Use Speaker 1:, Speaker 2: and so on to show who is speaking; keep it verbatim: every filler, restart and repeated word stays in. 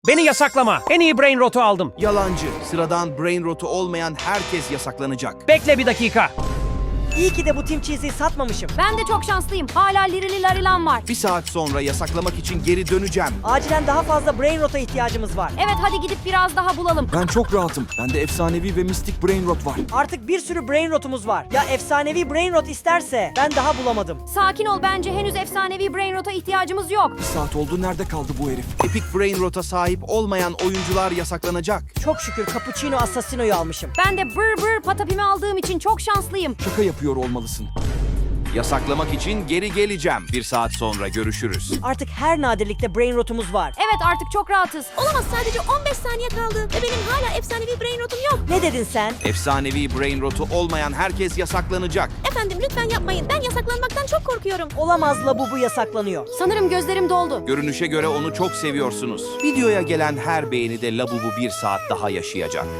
Speaker 1: Beni yasaklama. En iyi brain rotu aldım.
Speaker 2: Yalancı. Sıradan brain rotu olmayan herkes yasaklanacak.
Speaker 1: Bekle bir dakika.
Speaker 3: İyi ki de bu Team Cheese'i satmamışım.
Speaker 4: Ben de çok şanslıyım. Hala lirili larilan var.
Speaker 2: Bir saat sonra yasaklamak için geri döneceğim.
Speaker 3: Acilen daha fazla brain rota ihtiyacımız var.
Speaker 4: Evet, hadi gidip biraz daha bulalım.
Speaker 5: Ben çok rahatım. Bende efsanevi ve mistik brain rot var.
Speaker 3: Artık bir sürü brain rotumuz var. Ya efsanevi brain rot isterse? Ben daha bulamadım.
Speaker 4: Sakin ol, bence henüz efsanevi brain rota ihtiyacımız yok.
Speaker 5: Bir saat oldu, nerede kaldı bu herif?
Speaker 2: Epic brain rota sahip olmayan oyuncular yasaklanacak.
Speaker 3: Çok şükür Cappuccino Assassino'yu almışım.
Speaker 4: Ben de bır bır patapimi aldığım için çok şanslıyım.
Speaker 5: Şaka yapıyor olmalısın.
Speaker 2: Yasaklamak için geri geleceğim. Bir saat sonra görüşürüz.
Speaker 3: Artık her nadirlikte brain rotumuz var.
Speaker 4: Evet, artık çok rahatız.
Speaker 6: Olamaz, sadece on beş saniye kaldı ve benim hala efsanevi brain rotum yok.
Speaker 3: Ne dedin sen?
Speaker 2: Efsanevi brain rotu olmayan herkes yasaklanacak.
Speaker 6: Efendim lütfen yapmayın. Ben yasaklanmaktan çok korkuyorum.
Speaker 3: Olamaz, Labubu yasaklanıyor.
Speaker 4: Sanırım gözlerim doldu.
Speaker 2: Görünüşe göre onu çok seviyorsunuz. Videoya gelen her beğenide Labubu bir saat daha yaşayacak.